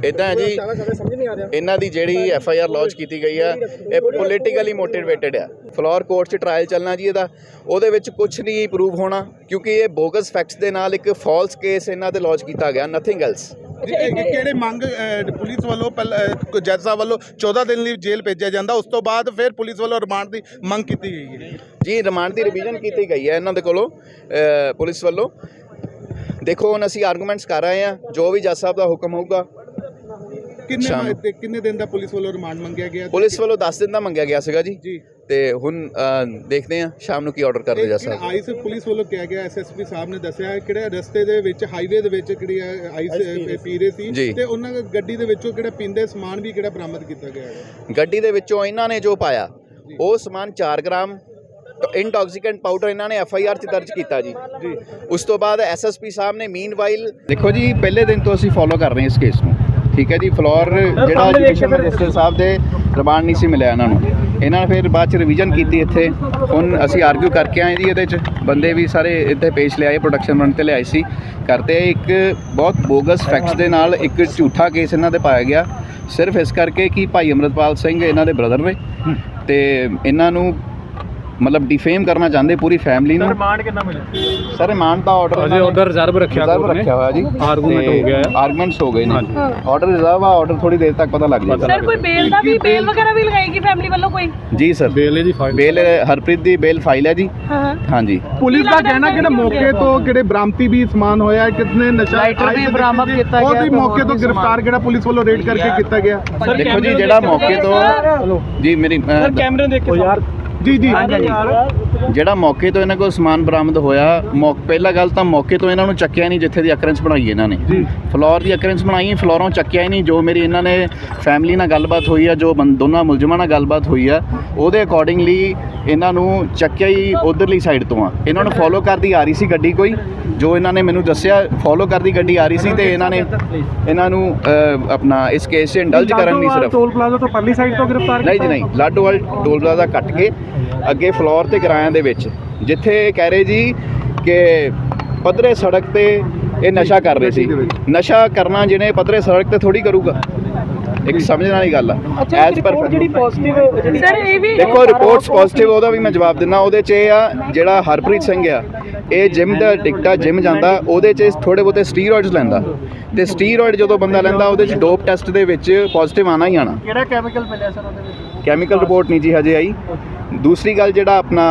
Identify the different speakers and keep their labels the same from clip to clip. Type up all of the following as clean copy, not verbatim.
Speaker 1: ਇੱਦਾਂ ਹੈ ਜੀ, ਇਹਨਾਂ ਦੀ ਜਿਹੜੀ FIR ਲੌਂਚ ਕੀਤੀ ਗਈ ਹੈ ਇਹ ਪੋਲੀਟੀਕਲੀ ਮੋਟੀਵੇਟਡ ਆ। ਫਲੋਰ ਕੋਰਟ 'ਚ ਟਰਾਇਲ ਚੱਲਣਾ ਜੀ ਇਹਦਾ, ਉਹਦੇ ਵਿੱਚ ਕੁਛ ਨਹੀਂ ਪ੍ਰੂਵ ਹੋਣਾ ਕਿਉਂਕਿ ਇਹ ਬੋਗਸ ਫੈਕਟਸ ਦੇ ਨਾਲ ਇੱਕ ਫਾਲਸ ਕੇਸ ਇਹਨਾਂ 'ਤੇ ਲੌਂਚ ਕੀਤਾ ਗਿਆ, ਨਥਿੰਗ ਐਲਸ।
Speaker 2: ਕਿਹੜੇ ਮੰਗ ਪੁਲਿਸ ਵੱਲੋਂ ਜੱਜ ਸਾਹਿਬ ਵੱਲੋਂ 14 ਦਿਨ ਲਈ ਜੇਲ੍ਹ ਭੇਜਿਆ ਜਾਂਦਾ, ਉਸ ਤੋਂ ਬਾਅਦ ਫਿਰ ਪੁਲਿਸ ਵੱਲੋਂ ਰਿਮਾਂਡ ਦੀ ਮੰਗ ਕੀਤੀ ਗਈ ਹੈ
Speaker 1: ਜੀ। ਰਿਮਾਂਡ ਦੀ ਰਿਵੀਜ਼ਨ ਕੀਤੀ ਗਈ ਹੈ ਇਹਨਾਂ ਦੇ ਕੋਲੋਂ ਪੁਲਿਸ ਵੱਲੋਂ। ਦੇਖੋ ਹੁਣ ਅਸੀਂ ਆਰਗੂਮੈਂਟਸ ਕਰ ਰਹੇ ਹਾਂ, ਜੋ ਵੀ ਜੱਜ ਸਾਹਿਬ ਦਾ ਹੁਕਮ ਹੋਊਗਾ।
Speaker 2: ਕਿੰਨੇ ਦਿਨ ਦਾ ਪੁਲਿਸ ਵੱਲੋਂ ਰਿਮਾਂਡ ਮੰਗਿਆ ਗਿਆ?
Speaker 1: ਪੁਲਿਸ ਵੱਲੋਂ 10 ਦਿਨ ਦਾ ਮੰਗਿਆ ਗਿਆ ਸੀਗਾ ਜੀ, ਤੇ ਹੁਣ ਦੇਖਦੇ ਹਾਂ ਸ਼ਾਮ ਨੂੰ ਕੀ ਆਰਡਰ ਕਰਦੇ ਜੱਜ ਸਾਹਿਬ।
Speaker 2: ਆਈਸ ਪੁਲਿਸ ਵੱਲੋਂ ਕਿਹਾ ਗਿਆ, SSP ਸਾਹਿਬ ਨੇ ਦੱਸਿਆ ਕਿਹੜੇ ਰਸਤੇ ਦੇ ਵਿੱਚ ਹਾਈਵੇ ਦੇ ਵਿੱਚ ਕਿਹੜੀ ਆਈਸ ਪੀ ਰਹੇ ਸੀ ਤੇ ਉਹਨਾਂ ਗੱਡੀ ਦੇ ਵਿੱਚੋਂ ਕਿਹੜਾ ਪੀਂਦੇ ਸਮਾਨ ਵੀ ਕਿਹੜਾ ਬਰਾਮਦ ਕੀਤਾ ਗਿਆ ਹੈ।
Speaker 1: ਗੱਡੀ ਦੇ ਵਿੱਚੋਂ ਇਹਨਾਂ ਨੇ ਜੋ ਪਾਇਆ ਉਹ ਸਮਾਨ 4 ਗ੍ਰਾਮ ਇੰਟੌਕਸੀਕੈਂਟ ਪਾਊਡਰ ਇਹਨਾਂ ਨੇ FIR 'ਚ ਦਰਜ ਕੀਤਾ ਜੀ। ਉਸ ਤੋਂ ਬਾਅਦ SSP ਸਾਹਿਬ ਨੇ ਮੀਨਵਾਈਲ, ਦੇਖੋ ਜੀ ਪਹਿਲੇ ਦਿਨ ਤੋਂ ਅਸੀਂ ਫੋਲੋ ਕਰ ਰਹੇ ਹਾਂ ਇਸ ਕੇਸ ਨੂੰ, ਠੀਕ ਹੈ ਜੀ। ਫਲੋਰ ਜਿਹੜਾ ਐਜੂਕੇਸ਼ਨ ਮਿਨਿਸਟਰ ਸਾਹਿਬ ਦੇ ਰਿਮਾਂਡ ਨਹੀਂ ਸੀ ਮਿਲਿਆ ਇਹਨਾਂ ਨੂੰ, ਇਹਨਾਂ ਨੇ ਫਿਰ ਬਾਅਦ 'ਚ ਰਿਵੀਜ਼ਨ ਕੀਤੀ ਇੱਥੇ। ਹੁਣ ਅਸੀਂ ਆਰਗੂ ਕਰਕੇ ਆਏ ਜੀ, ਇਹਦੇ 'ਚ ਬੰਦੇ ਵੀ ਸਾਰੇ ਇੱਥੇ ਪੇਸ਼ ਲਿਆਏ, ਪ੍ਰੋਡਕਸ਼ਨ ਰਨ 'ਤੇ ਲਿਆਏ ਸੀ ਕਰਤੇ। ਇੱਕ ਬਹੁਤ ਬੋਗਸ ਫੈਕਟਸ ਦੇ ਨਾਲ ਇੱਕ ਝੂਠਾ ਕੇਸ ਇਹਨਾਂ 'ਤੇ ਪਾਇਆ ਗਿਆ, ਸਿਰਫ ਇਸ ਕਰਕੇ ਕਿ ਭਾਈ ਅਮਰਤਪਾਲ ਸਿੰਘ ਇਹਨਾਂ ਦੇ ਬ੍ਰਦਰ ਨੇ ਤੇ ਇਹਨਾਂ ਨੂੰ ਮਤਲਬ ਡਿਫੇਮ ਕਰਨਾ ਚਾਹੁੰਦੇ ਪੂਰੀ ਫੈਮਿਲੀ ਨੂੰ।
Speaker 3: ਰਿਮਾਂਡ ਕਿੰਨਾ ਮਿਲਿਆ
Speaker 1: ਸਰ? ਰਿਮਾਂਡ ਦਾ ਆਰਡਰ
Speaker 3: ਅਜੇ ਆਰਡਰ ਰਿਜ਼ਰਵ ਰੱਖਿਆ
Speaker 1: ਹੋਇਆ ਜੀ,
Speaker 3: ਆਰਗੂਮੈਂਟ ਹੋ ਗਿਆ ਹੈ,
Speaker 1: ਆਰਗੂਮੈਂਟਸ ਹੋ ਗਏ ਨੇ। ਆਰਡਰ ਰਿਜ਼ਰਵ ਆ, ਆਰਡਰ ਥੋੜੀ ਦੇਰ ਤੱਕ ਪਤਾ ਲੱਗ ਜਾਏਗਾ।
Speaker 4: ਸਰ ਕੋਈ ਬੇਲ ਦਾ ਵੀ, ਬੇਲ ਵਗੈਰਾ ਵੀ ਲਗਾਏਗੀ ਫੈਮਿਲੀ ਵੱਲੋਂ ਕੋਈ?
Speaker 1: ਜੀ ਸਰ,
Speaker 3: ਬੇਲ ਦੀ ਫਾਈਲ,
Speaker 1: ਬੇਲ ਹਰਪ੍ਰੀਤ ਦੀ ਬੇਲ ਫਾਈਲ ਹੈ ਜੀ। ਹਾਂ ਜੀ।
Speaker 2: ਪੁਲਿਸ ਦਾ ਕਹਿਣਾ ਕਿ ਮੌਕੇ ਤੋਂ ਕਿਹੜੇ ਬਰਾਮਦੀ ਵੀ ਸਮਾਨ ਹੋਇਆ, ਕਿਤਨੇ ਨਸ਼ਾ
Speaker 4: ਵੀ ਬਰਾਮਦ ਕੀਤਾ ਗਿਆ,
Speaker 2: ਉਹਦੀ ਮੌਕੇ ਤੋਂ ਗ੍ਰਿਫਤਾਰ ਕਿਹੜਾ ਪੁਲਿਸ ਵੱਲੋਂ ਰੇਡ ਕਰਕੇ ਕੀਤਾ ਗਿਆ।
Speaker 1: ਦੇਖੋ ਜੀ ਜਿਹੜਾ ਮੌਕੇ ਤੋਂ ਜੀ ਮੇਰੀ
Speaker 3: ਕੈਮਰੇ ਦੇਖ ਕੇ ਯਾਰ
Speaker 2: ਜੀ
Speaker 1: ਜਿਹੜਾ ਮੌਕੇ ਤੋਂ ਇਹਨਾਂ ਕੋਲ ਸਮਾਨ ਬਰਾਮਦ ਹੋਇਆ, ਪਹਿਲਾ ਗੱਲ ਤਾਂ ਮੌਕੇ ਤੋਂ ਇਹਨਾਂ ਨੂੰ ਚੱਕਿਆ ਨਹੀਂ ਜਿੱਥੇ ਦੀ ਅਕਰੈਂਸ ਬਣਾਈ ਇਹਨਾਂ ਨੇ। ਫਲੋਰ ਦੀ ਅਕਰੈਂਸ ਬਣਾਈ, ਫਲੋਰੋਂ ਚੱਕਿਆ ਹੀ ਨਹੀਂ। ਜੋ ਮੇਰੀ ਇਹਨਾਂ ਨੇ ਫੈਮਿਲੀ ਨਾਲ ਗੱਲਬਾਤ ਹੋਈ ਆ, ਜੋ ਦੋਨਾਂ ਮੁਲਜ਼ਮਾਂ ਨਾਲ ਗੱਲਬਾਤ ਹੋਈ ਆ, ਉਹਦੇ ਅਕੋਰਡਿੰਗਲੀ ਇਹਨਾਂ ਨੂੰ ਚੱਕਿਆ ਹੀ ਉਧਰਲੀ ਸਾਈਡ ਤੋਂ ਆ। ਇਹਨਾਂ ਨੂੰ ਫੋਲੋ ਕਰਦੀ ਆ ਰਹੀ ਸੀ ਗੱਡੀ ਕੋਈ, ਜੋ ਇਹਨਾਂ ਨੇ ਮੈਨੂੰ ਦੱਸਿਆ ਫੋਲੋ ਕਰਦੀ ਗੱਡੀ ਆ ਰਹੀ ਸੀ ਤੇ ਇਹਨਾਂ ਨੂੰ ਆਪਣਾ ਇਸ ਕੇਸ 'ਚ ਇੰਡਲਜ ਕਰਨ ਨਹੀਂ, ਸਿਰਫ
Speaker 3: ਟੋਲ ਪਲਾਜ਼ਾ ਤੋਂ ਪਰਲੀ ਸਾਈਡ ਤੋਂ ਗ੍ਰਿਫਤਾਰ
Speaker 1: ਨਹੀਂ ਜੀ, ਨਹੀਂ ਲਾਡੋਵਾਲ ਟੋਲ ਪਲਾਜ਼ਾ ਕੱਟ ਕੇ ਅੱਗੇ ਫਲੋਰ ਤੇ ਕਿਰਾਇਆਂ ਦੇ ਵਿੱਚ, ਜਿੱਥੇ ਕਹਿ ਰਹੇ ਜੀ ਕਿ ਪੱਧਰੇ ਸੜਕ ਤੇ ਇਹ ਨਸ਼ਾ ਕਰ ਰਹੇ ਸੀ। ਨਸ਼ਾ ਕਰਨਾ ਜਿਹਨੇ ਪੱਧਰੇ ਸੜਕ ਤੇ ਥੋੜੀ ਕਰੂਗਾ, ਇੱਕ ਸਮਝਣ ਵਾਲੀ ਗੱਲ ਆ। ਐਜ਼ ਪਰ
Speaker 4: ਜਿਹੜੀ ਪੋਜ਼ਿਟਿਵ ਸਰ ਇਹ ਵੀ
Speaker 1: ਦੇਖੋ ਰਿਪੋਰਟਸ ਪੋਜ਼ਿਟਿਵ, ਉਹਦਾ ਵੀ ਮੈਂ ਜਵਾਬ ਦਿੰਦਾ। ਉਹਦੇ 'ਚ ਇਹ ਆ ਜਿਹੜਾ ਹਰਪ੍ਰੀਤ ਸਿੰਘ ਆ, ਇਹ ਜਿਮ ਦਾ ਟਿਕਟਾ, ਜਿਮ ਜਾਂਦਾ, ਉਹਦੇ 'ਚ ਥੋੜੇ ਬਹੁਤੇ ਸਟੀਰੋਇਡਸ ਲੈਂਦਾ ਤੇ ਸਟੀਰੋਇਡ ਜਦੋਂ ਬੰਦਾ ਲੈਂਦਾ ਉਹਦੇ 'ਚ ਡੋਪ ਟੈਸਟ ਦੇ ਵਿੱਚ ਪੋਜ਼ਿਟਿਵ ਆਣਾ ਹੀ ਆਣਾ।
Speaker 3: ਕਿਹੜਾ ਕੈਮੀਕਲ ਮਿਲਿਆ ਸਰ ਉਹਦੇ ਵਿੱਚ?
Speaker 1: ਕੈਮੀਕਲ ਰਿਪੋਰਟ ਨਹੀਂ ਜੀ ਹਜੇ ਆਈ। ਦੂਸਰੀ ਗੱਲ ਜਿਹੜਾ ਆਪਣਾ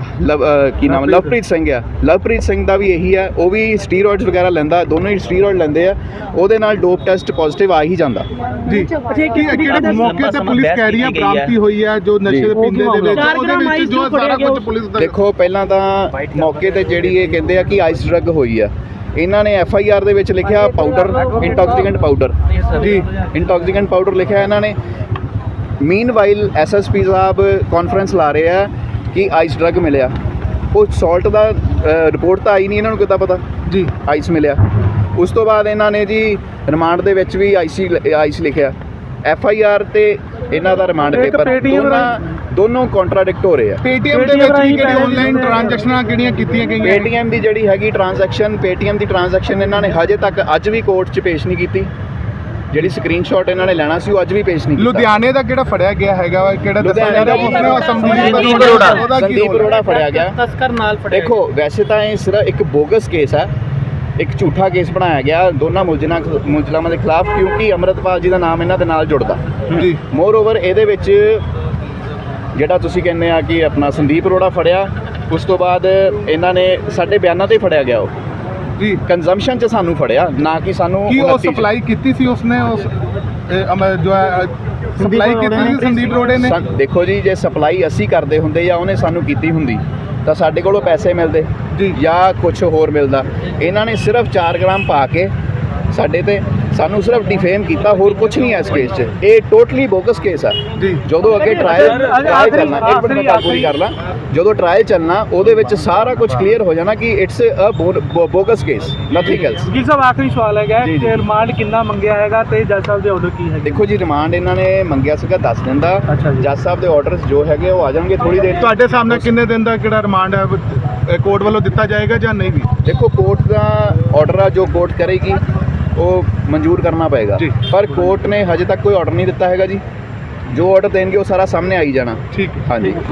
Speaker 1: ਕੀ ਨਾਮ ਲਵਪ੍ਰੀਤ ਸਿੰਘ ਆ, ਲਵਪ੍ਰੀਤ ਸਿੰਘ ਦਾ ਵੀ ਇਹੀ ਹੈ, ਉਹ ਵੀ ਸਟੀਰੋਇਡਸ ਵਗੈਰਾ ਲੈਂਦਾ, ਦੋਨੋਂ ਹੀ ਸਟੀਰੋਇਡ ਲੈਂਦੇ ਆ, ਉਹਦੇ ਨਾਲ ਡੋਪ ਟੈਸਟ ਪੋਜ਼ਿਟਿਵ ਆ ਹੀ ਜਾਂਦਾ ਜੀ।
Speaker 2: ਕਿਹੜੇ ਮੌਕੇ ਤੇ ਪੁਲਿਸ ਕਹਿ ਰਹੀ ਹੈ ਬਰਾਮਦੀ ਹੋਈ ਹੈ ਜੋ ਨਸ਼ੇ ਦੇ ਪੀਂਦੇ ਦੇ ਵਿੱਚ, ਉਹਦੇ ਵਿੱਚ ਜੋ ਸਾਰਾ ਕੁਝ ਪੁਲਿਸ ਦਾ।
Speaker 1: ਦੇਖੋ ਪਹਿਲਾਂ ਤਾਂ ਮੌਕੇ ਤੇ ਜਿਹੜੀ ਇਹ ਕਹਿੰਦੇ ਆ ਕਿ ਆਈਸ ਡਰੱਗ ਹੋਈ ਆ, ਇਹਨਾਂ ਨੇ FIR ਦੇ ਵਿੱਚ ਲਿਖਿਆ ਪਾਊਡਰ, ਇੰਟੌਕਸੀਕੈਂਟ ਪਾਊਡਰ ਜੀ, ਇੰਟੌਕਸੀਕੈਂਟ ਪਾਊਡਰ ਲਿਖਿਆ ਇਹਨਾਂ ਨੇ। ਮੀਨਵਾਈਲ SSP ਸਾਹਿਬ ਕਾਨਫਰੰਸ ਲਾ ਰਹੇ ਆ ਕਿ ਆਈਸ ਡਰੱਗ ਮਿਲਿਆ, ਉਹ ਸਾਲਟ ਦਾ ਰਿਪੋਰਟ ਤਾਂ ਆਈ ਨਹੀਂ, ਇਹਨਾਂ ਨੂੰ ਕਿੱਦਾਂ ਪਤਾ ਜੀ ਆਈਸ ਮਿਲਿਆ। ਉਸ ਤੋਂ ਬਾਅਦ ਇਹਨਾਂ ਨੇ ਜੀ ਰਿਮਾਂਡ ਦੇ ਵਿੱਚ ਵੀ ਆਈਸ ਲਿਖਿਆ, FIR ਤੇ ਇਹਨਾਂ ਦਾ ਰਿਮਾਂਡ ਪੇਪਰ ਦੋਨੋਂ ਕੰਟਰਾਡਿਕਟ ਹੋ ਰਹੇ ਆ।
Speaker 2: ਪੇਟੀਐਮ ਦੇ ਵਿੱਚ ਵੀ ਕਿਹੜੀ ਆਨਲਾਈਨ ਟ੍ਰਾਂਜੈਕਸ਼ਨਾਂ ਕਿਹੜੀਆਂ ਕੀਤੀਆਂ ਗਈਆਂ?
Speaker 1: ਪੇਟੀਐਮ ਦੀ ਜਿਹੜੀ ਹੈਗੀ ਟ੍ਰਾਂਜੈਕਸ਼ਨ, ਪੇਟੀਐਮ ਦੀ ਟ੍ਰਾਂਜੈਕਸ਼ਨ ਇਹਨਾਂ ਨੇ ਹਜੇ ਤੱਕ ਅੱਜ ਵੀ ਕੋਰਟ 'ਚ ਪੇਸ਼ ਨਹੀਂ ਕੀਤੀ। ਜਿਹੜੀ ਸਕਰੀਨਸ਼ਾਟ ਇਹਨਾਂ ਨੇ ਲੈਣਾ ਸੀ ਉਹ ਅੱਜ ਵੀ ਪੇਸ਼ ਨਹੀਂ ਕੀਤਾ।
Speaker 2: ਲੁਧਿਆਣੇ ਦਾ ਕਿਹੜਾ ਫੜਿਆ ਗਿਆ ਹੈਗਾ, ਕਿਹੜਾ
Speaker 1: ਸੰਦੀਪ ਅਰੋੜਾ ਫੜਿਆ ਗਿਆ ਤਸਕਰ ਨਾਲ। ਦੇਖੋ ਵੈਸੇ ਤਾਂ ਇਹ ਸਿਰਫ ਇੱਕ ਬੋਗਸ ਕੇਸ ਹੈ, ਇੱਕ ਝੂਠਾ ਕੇਸ ਬਣਾਇਆ ਗਿਆ ਦੋਨਾਂ ਮੁਲਜ਼ਮਾਂ ਦੇ ਖਿਲਾਫ, ਕਿਉਂਕਿ ਅੰਮ੍ਰਿਤਪਾਲ ਜੀ ਦਾ ਨਾਮ ਇਹਨਾਂ ਦੇ ਨਾਲ ਜੁੜਦਾ ਜੀ। ਮੋਰ ਓਵਰ ਇਹਦੇ ਵਿੱਚ ਜਿਹੜਾ ਤੁਸੀਂ ਕਹਿੰਦੇ ਆ ਕਿ ਆਪਣਾ ਸੰਦੀਪ ਅਰੋੜਾ ਫੜਿਆ, ਉਸ ਤੋਂ ਬਾਅਦ ਇਹਨਾਂ ਨੇ ਸਾਡੇ ਬਿਆਨਾਂ ਤੇ ਫੜਿਆ ਗਿਆ, ਉਹ ਜੀ ਕੰਜ਼ੰਪਸ਼ਨ 'ਚ ਸਾਨੂੰ ਫੜਿਆ, ਨਾ ਕਿ ਸਾਨੂੰ
Speaker 2: ਕੀ ਉਹ ਸਪਲਾਈ ਕੀਤੀ ਸੀ ਉਸਨੇ, ਉਸ ਜੋ ਸਪਲਾਈ ਕੀਤੀ ਸੀ ਸੰਦੀਪ ਅਰੋੜੇ ਨੇ।
Speaker 1: ਦੇਖੋ ਜੀ ਜੇ ਸਪਲਾਈ ਅਸੀਂ ਕਰਦੇ ਹੁੰਦੇ ਜਾਂ ਉਹਨੇ ਸਾਨੂੰ ਕੀਤੀ ਹੁੰਦੀ ਤਾਂ ਸਾਡੇ ਕੋਲੋਂ ਪੈਸੇ ਮਿਲਦੇ ਜਾਂ ਕੁਝ ਹੋਰ ਮਿਲਦਾ। ਇਹਨਾਂ ਨੇ ਸਿਰਫ 4 ਗ੍ਰਾਮ ਪਾ ਕੇ ਸਾਡੇ ਤੇ ਸਾਨੂੰ ਸਿਰਫ ਡਿਫੇਮ ਕੀਤਾ, ਹੋਰ ਕੁਝ ਨਹੀਂ ਹੈ ਇਸ ਕੇਸ 'ਚ। ਇਹ ਟੋਟਲੀ ਬੋਗਸ ਕੇਸ ਆ। ਜਦੋਂ ਅੱਗੇ ਟ੍ਰਾਇਲ ਚੱਲਣਾ, ਇੱਕ ਮਿੰਟ ਮੈਂ ਪੂਰੀ ਕਰ ਲਾਂ, ਜਦੋਂ ਟ੍ਰਾਇਲ ਚੱਲਣਾ ਉਹਦੇ ਵਿੱਚ ਸਾਰਾ ਕੁਝ ਕਲੀਅਰ ਹੋ ਜਾਣਾ ਕਿ it's a bogus case, nothing else.
Speaker 3: ਜੀ ਸਾਹਿਬ ਆਖਰੀ ਸਵਾਲ ਹੈਗਾ ਕਿ ਰਿਮਾਂਡ ਕਿੰਨਾ ਮੰਗਿਆ ਹੈਗਾ ਤੇ ਜੱਜ ਸਾਹਿਬ ਦੇ ਆਰਡਰ ਕੀ ਹੈ?
Speaker 1: ਦੇਖੋ ਜੀ ਰਿਮਾਂਡ ਇਹਨਾਂ ਨੇ ਮੰਗਿਆ ਸੀਗਾ 10 ਦਿਨ ਦਾ, ਜੱਜ ਸਾਹਿਬ ਦੇ ਆਰਡਰਸ ਜੋ ਹੈਗੇ ਉਹ ਆ ਜਾਣਗੇ ਥੋੜੀ ਦੇਰ।
Speaker 2: ਤੁਹਾਡੇ ਸਾਹਮਣੇ ਕਿੰਨੇ ਦਿਨ ਦਾ ਕਿਹੜਾ ਰਿਮਾਂਡ ਹੈ ਕੋਰਟ ਵੱਲੋਂ ਦਿੱਤਾ ਜਾਏਗਾ ਜਾਂ ਨਹੀਂ ਵੀ?
Speaker 1: ਦੇਖੋ ਕੋਰਟ ਦਾ ਆਰਡਰ ਆ, ਜੋ ਕੋਰਟ ਕਰੇਗੀ ਉਹ ਮਨਜ਼ੂਰ ਕਰਨਾ ਪਏਗਾ।
Speaker 2: ਜੀ।
Speaker 1: ਪਰ ਕੋਰਟ ਨੇ ਹਜੇ ਤੱਕ ਕੋਈ ਆਰਡਰ ਨਹੀਂ ਦਿੱਤਾ ਹੈਗਾ ਜੀ। ਜੋ ਆਰਡਰ ਦੇਣਗੇ ਉਹ ਸਾਰਾ ਸਾਹਮਣੇ ਆਈ ਜਾਣਾ।
Speaker 2: ਠੀਕ ਹੈ।
Speaker 1: ਹਾਂਜੀ।